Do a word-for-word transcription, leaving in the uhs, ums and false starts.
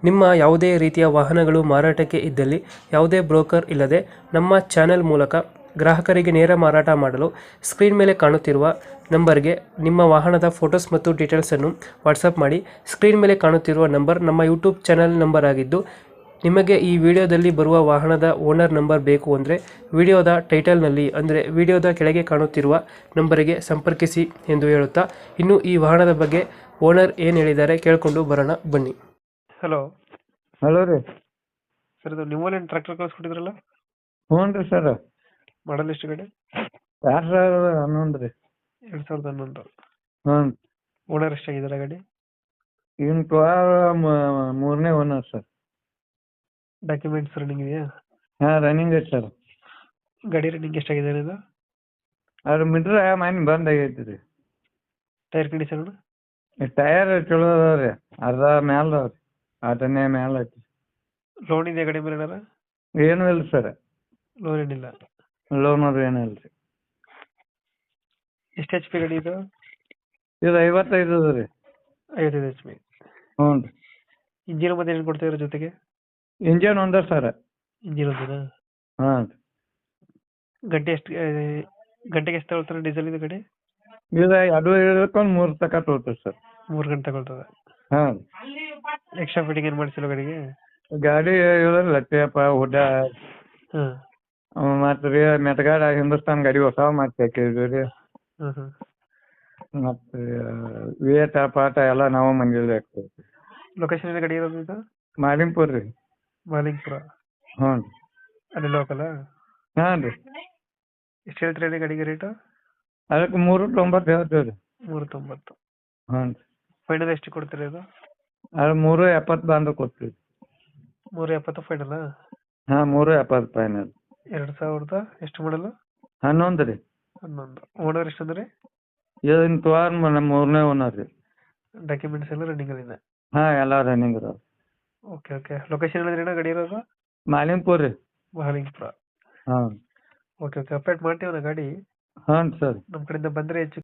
ನಿಮ್ಮ ಯಾವುದೇ ರೀತಿಯ ವಾಹನಗಳು ಮಾರಾಟಕ್ಕೆ ಇದ್ದಲ್ಲಿ ಯಾವುದೇ ಬ್ರೋಕರ್ ಇಲ್ಲದೆ ನಮ್ಮ ಚಾನೆಲ್ ಮೂಲಕ ಗ್ರಾಹಕರಿಗೆ ನೇರ ಮಾರಾಟ ಮಾಡಲು ಸ್ಕ್ರೀನ್ ಮೇಲೆ ಕಾಣುತ್ತಿರುವ ನಂಬರ್ಗೆ ನಿಮ್ಮ ವಾಹನದ ಫೋಟೋಸ್ ಮತ್ತು ಡೀಟೇಲ್ಸನ್ನು ವಾಟ್ಸಪ್ ಮಾಡಿ. ಸ್ಕ್ರೀನ್ ಮೇಲೆ ಕಾಣುತ್ತಿರುವ ನಂಬರ್ ನಮ್ಮ ಯೂಟ್ಯೂಬ್ ಚಾನೆಲ್ ನಂಬರ್ ಆಗಿದ್ದು, ನಿಮಗೆ ಈ ವಿಡಿಯೋದಲ್ಲಿ ಬರುವ ವಾಹನದ ಓನರ್ ನಂಬರ್ ಬೇಕು ಅಂದರೆ ವಿಡಿಯೋದ ಟೈಟಲ್ನಲ್ಲಿ ಅಂದರೆ ವಿಡಿಯೋದ ಕೆಳಗೆ ಕಾಣುತ್ತಿರುವ ನಂಬರಿಗೆ ಸಂಪರ್ಕಿಸಿ ಎಂದು ಹೇಳುತ್ತಾ, ಇನ್ನು ಈ ವಾಹನದ ಬಗ್ಗೆ ಓನರ್ ಏನು ಹೇಳಿದ್ದಾರೆ ಕೇಳಿಕೊಂಡು ಬರೋಣ ಬನ್ನಿ. ಹಲೋ ಹಲೋ ರೀ. ಸರ್, ಇದು ನಿಮ್ಮಲ್ಲಿ ಟ್ರ್ಯಾಕ್ಟರ್ ಕಳಿಸ್ಕೊಟ್ಟಿದ್ರಲ್ಲ, ಹ್ಞೂ ರೀ ಸರ್. ಮಾಡಲ್ ಎಷ್ಟು ಗಾಡಿ? ಎರಡು ಸಾವಿರದ ಹನ್ನೊಂದು ರೀ. ಎರಡು ಸಾವಿರದ ಹನ್ನೊಂದು. ಹ್ಞೂ. ಓನರ್ ಎಷ್ಟಾಗಿದ್ದಾರೆ ಗಾಡಿ? ಇನ್ನು ಟ್ವಾಲ್ ಮೂರನೇ ಓನರ್ ಸರ್. ಡಾಕ್ಯುಮೆಂಟ್ಸ್ ರನ್ನಿಂಗ್ ಇದೆಯಾ? ಹಾಂ, ರನ್ನಿಂಗ್ ಐತೆ ಸರ್. ಗಾಡಿ ರನ್ನಿಂಗ್ ಎಷ್ಟಾಗಿದೆ ಇದು? ಅದು ಮೀಟ್ರ್ ಮನೆ ಬಂದ್ ಆಗೈತಿ ರೀ. Tyre condition? ಟಯರ್ ಚಲೋ ಅದಾವ ರೀ. ಅರ್ಧ ಮ್ಯಾಲ ಅದಾವ ರೀ, ಆಟನೇ ಮ್ಯಾಲ ಐತಿ. ಲೋನ್ ಇದೆಯಾ ಗಾಡಿ ಮೇಲೆ ಏನಾರ? ಏನೂ ಇಲ್ಲ ಸರ್. ಲೋನ್ ಏನಿಲ್ಲ. ಲೋನ್ ಅದು ಏನೂ ಇಲ್ಲ ರೀ. ಎಷ್ಟು ಎಚ್ ಪಿ ಗಾಡಿ ಇದು? ಇದು ಐವತ್ತೈದು ಅದ ರೀ. ಐವತ್ತೈದು ಎಚ್ ಪಿ. ಹ್ಞೂ ರೀ. ಇಂಜಿನ್ ಮತ್ತೆ ಏನು ಕೊಡ್ತಾ ಇರೋ ಜೊತೆಗೆ? ಇಂಜನ್ ಒಂದ ಸರ್. ಇಂಜಿನ್ ಒಂದೇನಾ? ಹಾಂ ರೀ. ಗಂಟೆ ಎಷ್ಟು ಗಂಟೆಗೆ ಎಷ್ಟು ತಗೊಳ್ತಾರೆ ಡೀಸೆಲ್ ಇದು ಗಾಡಿ? ಇದು ಅದು ಇಳ್ಕೊಂಡು ಮೂರು ತನಕ ತೊಗೊಳ್ತದೆ ಸರ್. ಮೂರು ಗಂಟೆ ತಗೊಳ್ತದೆ. ಹಾಂ. ಎಕ್ಸ್ಟ್ರಾ ಫಿಟ್ಟಿಂಗ್ ಏನು ಮಾಡಿಸಿಲ್ಲ ಗಾಡಿಗೆ? ಗಾಡಿ ಇರೋಲ್ಲ ಟೇಪ ಹುಡ್ಡ ಹಾಂ ಮತ್ತು ರೀ ಮೆಟ್ಗಾಡ ಹಿಂದೂಸ್ತಾನ್ ಗಾಡಿ ಹೊಸ ಮಾಡಿ ಹಾಕಿದ್ವಿ ರೀ. ಹಾಂ ಹಾಂ ಮತ್ತು ವೇಟ ಪಾಟ ಎಲ್ಲ ನಾವು ಮಂದಿಲಿ ಹಾಕ್ತೀವಿ. ಲೊಕೇಶನ್ ಎಲ್ಲ ಗಾಡಿ ಇರೋದು ಇದು? ಮಾಲಿಂಪುರ್ ರೀ. ಮಾಲಿಂಗ್ಪುರ. ಹ್ಞೂ ರೀ. ಅಲ್ಲಿ ಲೋಕಲ? ಹಾಂ ರೀ. ಎಷ್ಟು ಹೇಳ್ತೀರಿ ಗಾಡಿಗೆ ರೇಟು? ಅದಕ್ಕೆ ಮೂರು ತೊಂಬತ್ತು ಹೇಳ್ತೀವಿ ರೀ. ಮೂರು ತೊಂಬತ್ತು. ಹ್ಞೂ ರೀ. ಫೈನಲ್ ಎಷ್ಟು ಕೊಡ್ತೀರಿ ಇದು? ಅದು ಮೂರು ಎಪ್ಪತ್ತು ಬಂದು ಕೊಡ್ತೀವಿ. ಮೂರು ಎಪ್ಪತ್ತು ಫೈನಲ್ಲ? ಹಾಂ, ಮೂರು ಎಪ್ಪತ್ತು ಫೈನಲ್. ಎರಡು ಸಾವಿರದ ಎಷ್ಟು ಮಾಡಲು? ಹನ್ನೊಂದು ರೀ. ಹನ್ನೊಂದು. ಓನರ್ ಎಷ್ಟು ಅಂದ್ರೆ? ಇದನ್ನ ತುವಾರ ನಮ್ಮ ಮೂರನೇ ಓನರ್ ರೀ. ಡಾಕ್ಯುಮೆಂಟ್ಸ್ ಎಲ್ಲ ರನ್ನಿಂಗ್ ಅಲ್ಲಿದೆ? ಹಾಂ, ಎಲ್ಲ ರನ್ನಿಂಗ್ ಇದಾವೆ. Okay okay. ಲೊಕೇಶನ್ ಹೇಳಿದ್ರೇನ ಗಾಡಿ ಇರೋದು? ಮಾಲಿಂಪುರ್ ರೀ. ಮಾಲಿಂಗ್ಪುರ. ಹಾಂ. Okay okay. ಅಪ್ಡೇಟ್ ಮಾಡ್ತೀವಣ್ಣ ಗಾಡಿ. ಹಾಂ ಸರ್. ನಮ್ಮ ಕಡೆಯಿಂದ ಬಂದರೆ ಹೆಚ್ಚು